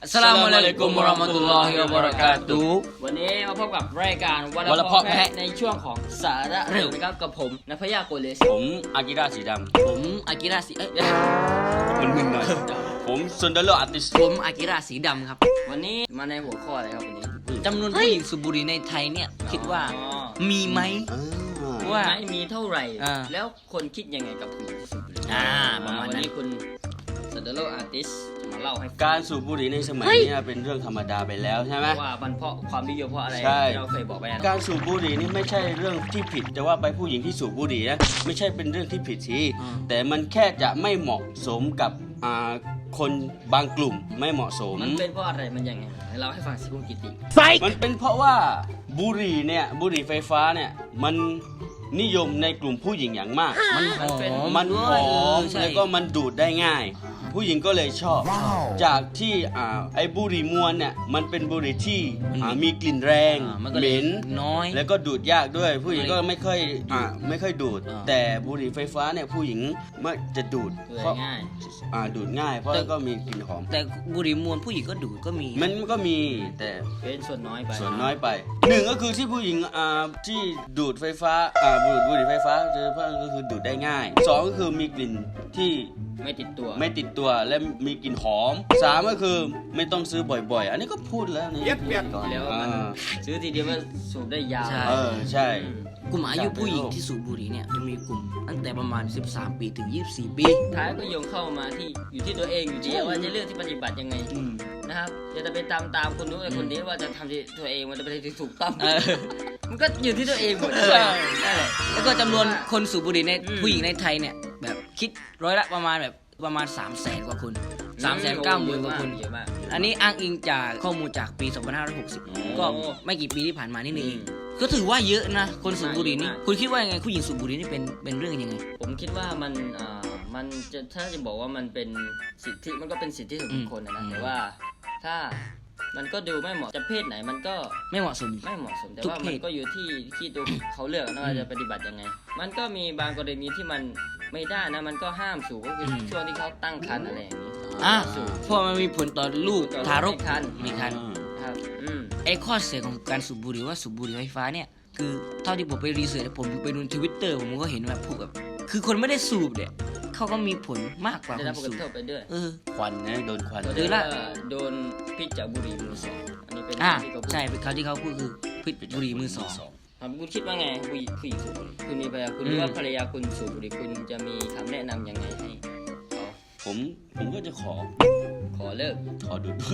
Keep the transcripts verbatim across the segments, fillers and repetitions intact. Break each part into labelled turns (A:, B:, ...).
A: อัสสลามุอะลัยกุมวะเราะมะตุลลอฮิวะบะเราะกาตุฮ์
B: วันนี้มาพบกับรายการวัน
A: วัน
B: ละ
A: ละ
B: เพ
A: เพาะ
B: าะ
A: แพะ
B: แพะในช่วงของสาระเร็วนะครับกับผมนัพยาโกเลส
A: ผมอากิระสีด
C: ผมอากิระสีเอ้ย
A: ำมันมึนหน่อยผมซุนเดอร์โลอาร์ติส
C: ผมอากิระสีดำครับ
B: วันนี้มาในหัวข้ออะไรครับวันนี้
C: จำนวนผู้หญิงสูบบุหรี่ในไทยเนี่ยคิดว่า
B: อ๋อ
C: มีไหม ว่า
B: ไม่มีเท่าไหร่
C: อ่า
B: แล้วคนคิดยังไงกับผู้หญิงที่สูบบุหรี่
C: อ่าประมาณนั้น
B: วันนี้คุณซันเดโลอาร์ติสจะมาเล่าให้ฟัง
A: การสูบบุหรี่ในสมัยนี้เป็นเรื่องธรรมดาไปแล้วใช่ไหม
B: ว่ามันเพราะความนิยมเพราะอะไร
A: ใช่
B: ที่เราเคยบอกไปนะ
A: การสูบบุหรี่นี่ไม่ใช่เรื่องที่ผิดแต่ว่าไปผู้หญิงที่สูบบุหรี่นะไม่ใช่เป็นเรื่องที่ผิดทีแต่มันแค่จะไม่เหมาะสมกับอ่าคนบางกลุ่มไม่เหมาะสม
B: มันเป็นเพราะอะไรมันยังไงให้เราให้ฟังสิคุณกิติ
A: มันเป็นเพราะว่าบุหรี่เนี่ยบุหรี่ไฟฟ้าเนี่ยมันนิยมในกลุ่มผู้หญิงอย่างมาก
C: มันหอ
B: เป็น
C: ม
A: มันหอม
C: ใช่
A: แล้วก็มันดูดได้ง่าย ผู้หญิงก็เลยชอบ จากที่อ่าไอ้บุหรี่มวนเนี่ยมันเป็นบุหรี่ที่อ่ามีกลิ่นแรง
C: อ่ามันก็
A: เห
C: เลย
A: ม็น
C: น้อย
A: แล้วก็ดูดยากด้วย ผู้หญิงก็ไม่ค่อยอ่าไม่ค่อยดูด
C: อ่า
A: แต่บุหรี่ไฟฟ้าเนี่ยผู้หญิงมักจะดูด
B: ดู
A: เพราะ
B: ง่าย
A: อ่าดูดง่าย เพราะก็มีกลิ่นหอม
C: แต่บุหรี่มวนผู้หญิงก็ดูดก็มี
A: มันก็มีแต่
B: เป็นส่วนน้อยไป
A: ส่วนน้อยไปหนึ่งก็คือที่ผู้หญิงอ่าที่ดูดไฟฟ้าอ่าดูดบุหรี่ไฟฟ้าโดยเฉพาะก็คือดูดได้ง่ายสองก็คือมีกลิ่นที่
B: ไม่ติดตัว
A: ไม่ติดตัวและมีกลิ่นหอมสามก็คือไม่ต้องซื้อบ่อยๆ อันนี้ก็พูดแล้วในเปียกก่อน
B: แล้วมัน
A: อ่า
B: ซื้อทีเดียวมันสูบได้ยาว
C: ใช่
A: เออใช่
C: กลุ่มอายุผู้หญิงที่สูบบุหรี่เนี่ยจะมีกลุ่มตั้งแต่ประมาณสิบสามปีถึงยี่สิบสี่ปี
B: ท้ายก็โยงเข้ามาที่อยู่ที่ตัวเองอยู่ดีว่าจะเลือกที่ปฏิบัติยังไงนะครับอย่าจะไปตามตามคนนู้นไอ้คนนี้ว่าจะทำที่ตัวเองมันจะไปที่ถูกต้อง
C: เออ
B: มันก็อยู่ที่ตัวเองหมด
C: ใช่
B: นั่นแหละ
C: แล้วก็จำนวนคนสูบบุหรี่ใน
B: อืม
C: ผู้หญิงในไทยเนี่ยแบบคิดร้อยละประมาณแบบประมาณ3 0 0แสนกว่าคน3 9 0 0 0 0กว่าคน
B: เยอะมาก
C: อันนี้อ้างอิงจากข้อมูลจากปี สองพันห้าร้อยหกสิบ
B: โอ้
C: ก็ไม่กี่ปีที่ผ่านมานี่เอง
B: อืม
C: ก็ถือว่าเยอะนะ คนสูบบุหรี่นี่
B: เยอะมาก
C: คุณคิดว่ายังไงผู้หญิงสูบบุหรี่นี่เป็นเป็นเรื่องยังไง
B: ผมคิดว่ามันอ่ามันจะถ้าจะบอกว่ามันเป็นสิทธิมันก็เป็นสิทธิส่วนบุคคลนะ
C: อื
B: นะ
C: ม
B: แต่ว่าถ้ามันก็ดูไม่เหมาะจะเพศไหนมันก็
C: ไม่เหมาะสม
B: ไม่เหมาะสมแต่
C: ทุก
B: ว่า
C: เพศ
B: มันก็อยู่ที่ที่ตัวเขาเลือกนะว่าจะปฏิบัติยังไง มันก็มีบางกรณีที่มันไม่ได้นะมันก็ห้ามสูบก็คืออช่วงที่เขาตั้งครรภ์อะไรอย่างนี้
C: อ่ะ
B: สูบ
C: เพราะมันมีผลต่อลูก
B: ต่อ
C: ทารก
B: ในครรภ์
C: มีคัน
B: ครับอืม
C: ไอ้ข้อเสียของการสูบบุหรี่ว่าสูบบุหรี่ไฟฟ้าเนี่ยคือเท่าที่ผมไปรีเสิร์ชผมไปดูทวิตเตอร์ผมก็เห็นแบบพวกแบบคือคนไม่ได้สูบเนี่ยเขาก็มีผลมากกว่า
B: ได้
C: ค
B: รับ
C: น
B: ผลก
C: สูบ
B: ระทบไปด้วย
C: เออ
A: ควันนะโดนควัน
B: ก็
C: หรื
B: เรีย
C: อก ละ
B: ว่าโดนพิษจากบุหรี่มือสองอันนี้เป็น
C: อ่ะ
B: ที่เขาพูด
C: ใช่เป็นคำที่เขาพูดคือพิษบุหรี่มือสอง
B: ครับคุณคิดว่าไงผู้หญิงผู้หญิงสูบบุหรี่คุณมีภรรยาคุณหรือว่าภรรยาคุณสูบบุหรี่คุณจะมีคำแนะนำยังไงให้เขา
A: ผมผมก็จะขอ
B: ขอเลิก
A: ขอดูดด้วย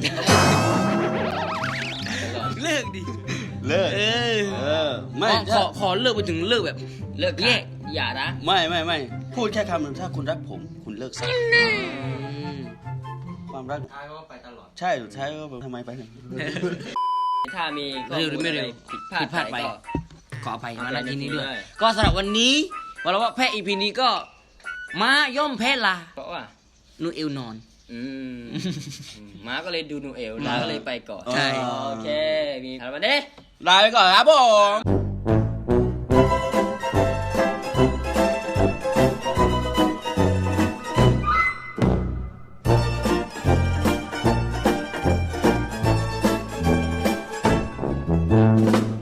C: เลิกดิ
A: เลิก
C: เออ
A: เออไม่
C: ขอข
A: ถ้า
C: อขอเลิกไปถึงเลิกแบบ
B: เลิก
C: แยก
B: อย่านะ
A: ไม่ไม่ไม่พูดแค่คำหนึ่งถ้าคุณรักผม คุณเลิกซะความรัก
B: ท้ายก็ไปตลอด
A: ใช่สุดท้ายก็แบบทำไมไปเนี่ย
B: ถ้ามีข้อ
C: เร็วหรือ
B: มูล
C: ไม่
B: อะไร
C: เร็ว
B: ผิดพลา
C: ผิ
B: ด
C: ดพลาด
B: ไป
C: ไป
B: ก็
C: ขออภัยมาณที่นี้ด้วย
B: ได้
C: ก็สำหรับวันนี้วันละว่าแพ้อีพีนี้ก็มาย่อมแพ้ลา
B: เพราะว่า
C: นูเอลนอน
B: อืมม้าก็เลยดูนูเอลลาก็เลยไปก่อน
C: ใช่
B: โอเคมีถามมาเด้
A: ลาไปก่อนครับผม